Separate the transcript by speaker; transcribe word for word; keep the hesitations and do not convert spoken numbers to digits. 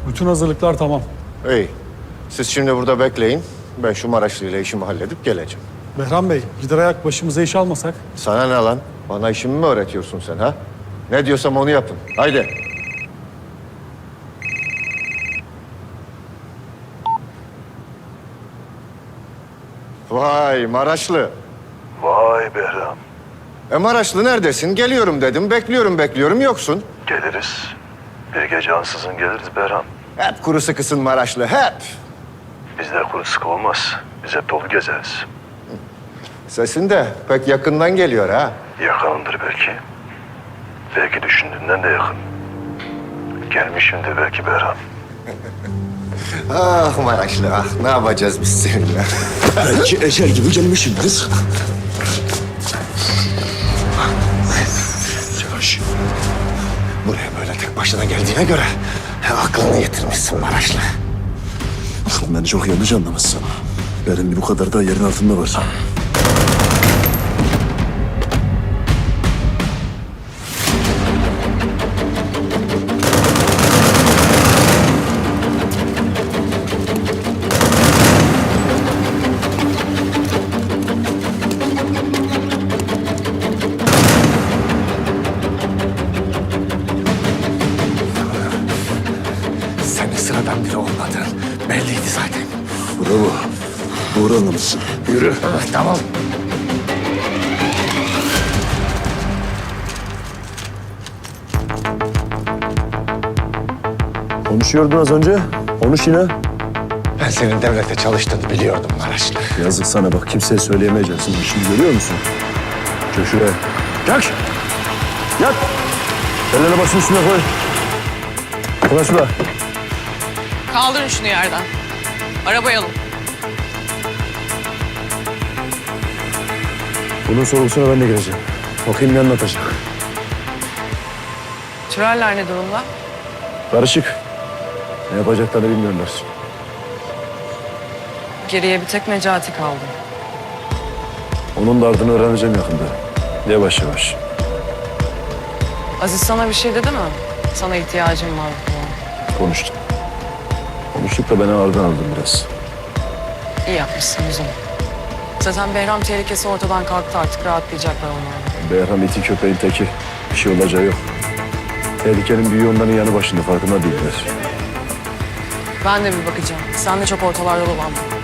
Speaker 1: Bütün hazırlıklar tamam.
Speaker 2: İyi. Siz şimdi burada bekleyin. Ben şu Maraşlı ile işimi halledip geleceğim.
Speaker 1: Behram Bey, gider ayak başımıza iş almasak.
Speaker 2: Sana ne lan? Bana işimi mi öğretiyorsun sen ha? Ne diyorsam onu yapın. Haydi. Vay Maraşlı.
Speaker 3: Vay Behram.
Speaker 2: E Maraşlı neredesin? Geliyorum dedim. Bekliyorum bekliyorum yoksun.
Speaker 3: Geliriz. Bir gece ansızın geliriz Behram.
Speaker 2: Hep kuru sıkısın Maraşlı hep.
Speaker 3: Bizde kuru sıkı olmaz. Biz hep dolu gezeriz.
Speaker 2: Sesin de pek yakından geliyor ha.
Speaker 3: Yakınındır belki. Belki düşündüğünden de yakın. Gelmişimdir belki Behram.
Speaker 2: Ah Maraşlı ah. Ne yapacağız biz seninle?
Speaker 4: Belki ecel gibi gelmişimdir. Yavaş.
Speaker 2: Buraya böyle tek başına geldiğine göre he, aklını yitirmişsin Maraşlı.
Speaker 4: Beni çok yanlış anlamışsın. Benim bir bu kadar da yerin altında var.
Speaker 2: Senin sıradan biri olmadığın belliydi zaten.
Speaker 4: Bravo. Doğru anlamışsın. Yürü.
Speaker 2: Tamam.
Speaker 4: Konuşuyordun az önce. Konuş yine.
Speaker 2: Ben senin devlete çalıştığını biliyordum Maraşlı.
Speaker 4: Yazık sana bak. Kimseye söyleyemeyeceksin. Şimdi görüyor musun? Çök şuraya. Kalk. Yat. Ellerini başın üstüne koy. Koy şuraya.
Speaker 5: Kaldırın şunu yerden. Arabaya alın.
Speaker 4: Bunun sorgusuna ben de gireceğim. Bakayım ne anlatacak.
Speaker 5: Türeller ne durumda?
Speaker 4: Karışık. Ne yapacaklarını bilmiyorlar.
Speaker 5: Geriye bir tek Necati kaldı.
Speaker 4: Onun da ardını öğreneceğim yakında. Yavaş yavaş.
Speaker 5: Aziz sana bir şey dedi mi? Sana ihtiyacım var falan.
Speaker 4: Konuştum. Konuştuk da beni ağırdan aldım biraz.
Speaker 5: İyi yapmışsın o zaman. Zaten Behram tehlikesi ortadan kalktı, artık rahatlayacaklar onlar.
Speaker 4: Behram iti köpeğin teki. Bir şey olacağı yok. Tehlikenin büyüğü onların yanı başında, farkında değiller.
Speaker 5: Ben de bir bakacağım. Sen de çok ortalarda dolanma.